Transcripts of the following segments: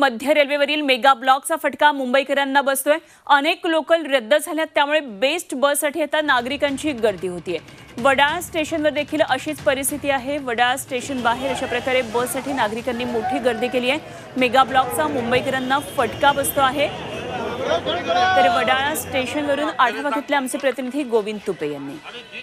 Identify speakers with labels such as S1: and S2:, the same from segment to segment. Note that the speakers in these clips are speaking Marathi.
S1: मध्य रेल्वेवरील मेगा ब्लॉकचा फटका मुंबईकरांना बसतोय। अनेक लोकल रद्द झाल्यात, त्यामुळे बेस्ट बससाठी आता नागरिकांची गर्दी होतीये। वडाळा स्टेशनवर देखील अशीच परिस्थिती आहे। वडाळा स्टेशन बाहेर अशा प्रकारे बससाठी नागरिकांनी मोठी गर्दी केली आहे। मेगा ब्लॉकचा मुंबईकरांना फटका बसतो आहे। तर वडाळा स्टेशनवरून आढावा घेतला आमचे प्रतिनिधी गोविंद तुपे यांनी।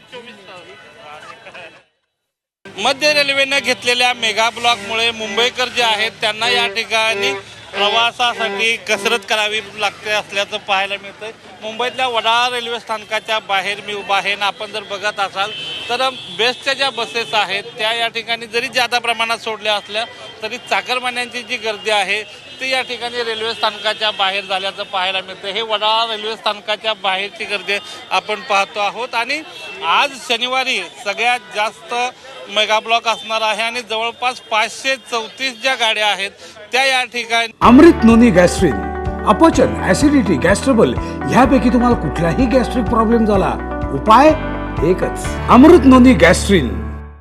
S2: मध्य रेल्वेने घेतलेल्या मेगा ब्लॉकमुळे मुंबईकर जे आहेत त्यांना या ठिकाणी प्रवासासाठी कसरत करावी लागते असल्याचं पाहायला मिळतंय। मुंबईतल्या वडाळा रेल्वे स्थानकाच्या बाहेर मी उभा आहे। आपण जर बघत असाल तर बेस्टच्या ज्या बसेस आहेत त्या या ठिकाणी जरी जादा प्रमाणात सोडल्या असल्या तरी चाकरमान्यांची जी गर्दी आहे ती या ठिकाणी रेल्वे स्थानकाच्या बाहेर झाल्याचं पाहायला मिळतं। हे वडाळा रेल्वे स्थानकाच्या बाहेरची गर्दी आपण पाहतो आहोत आणि आज शनिवारी सगळ्यात जास्त मेगा ब्लॉक असणार आहे आणि जवळपास 534 ज्या गाड्या आहेत त्या या ठिकाणी
S3: अमृत नोनी गॅस्ट्रिन, अपचन, ऍसिडिटी, गॅस्ट्रबल ह्यापैकी तुम्हाला कुठलाही गॅस्ट्रिक प्रॉब्लेम झाला, उपाय एकच, अमृत नोनी गॅस्ट्रिन।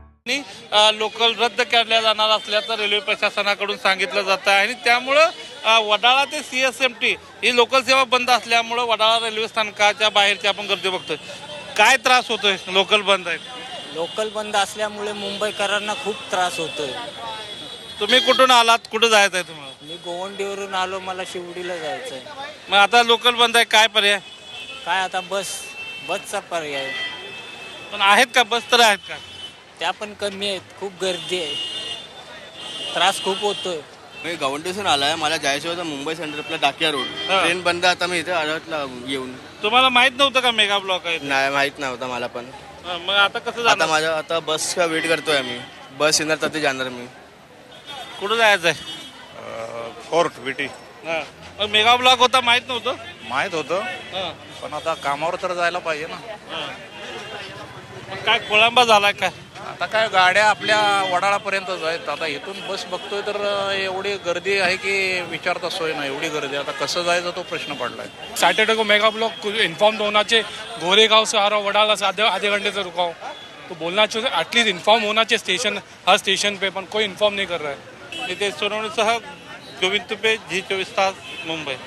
S2: लोकल रद्द केल्या जाणार असल्याचं रेल्वे प्रशासनाकडून सांगितलं जातं आहे आणि त्यामुळं वडाळा ते CSMT ही लोकल सेवा बंद असल्यामुळं वडाळा रेल्वे स्थानकाच्या बाहेरची आपण गर्दी बघतोय। काय त्रास होतोय? लोकल बंद आहेत।
S4: लोकल बंद असल्यामुळे मुंबईकरांना खूप त्रास होतोय।
S2: तुम्ही कुठून आलात? कुठं जायचं आहे तुम्हाला?
S4: मी गोवंडीवरून आलो, मला शिवडीला जायचं आहे।
S2: मग आता लोकल बंद आहे, काय पर्याय?
S4: काय आता बसचा पर्याय
S2: पण आहेत का? बस तर आहेत का?
S4: त्या पण कमी आहेत, खूप गर्दी आहे, त्रास खूप होतोय।
S5: मी गवंडीसून आलाय, मला जायचं होतं मुंबई सेंट्रलला टाकिया रोड। ट्रेन बंद, आता मी इथे आढळला येऊन।
S2: तुम्हाला माहित नव्हतं का मेगा ब्लॉक आहे?
S5: नाही, माहित नव्हतं मला पण।
S2: मग आता कसं जाणार?
S5: आता बस का वेट करतोय आम्ही, बस येणार तर ते जाणार मी।
S2: कुठं जायचंय?
S6: फोर्ट विटी
S2: मग मेगा ब्लॉक होता माहित नव्हतं?
S6: माहित होतं, पण आता कामावर तर जायला पाहिजे ना।
S2: मग काय खोळंबा झालाय काय?
S6: आता काय गाड्या आपल्या वडाळापर्यंतच आहेत। आता इथून बस बघतोय तर एवढी गर्दी आहे की विचारता सोय नाही, एवढी गर्दी। आता कसं जायचं तो प्रश्न पडलाय।
S7: सैटरडे को मेगा ब्लॉक इन्फॉर्म होना चाहिए। गोरेगांव से आ रहा वडाला से आधे घंटे से रुका हूँ, तो बोलना चाहिए एटलीस्ट इन्फॉर्म होना चाहिए स्टेशन, हर स्टेशन पे, पण कोई इन्फॉर्म नहीं कर रहा है।
S2: नितेश सोनवणेसह गोविंद तुपे, G24 तास, मुंबई।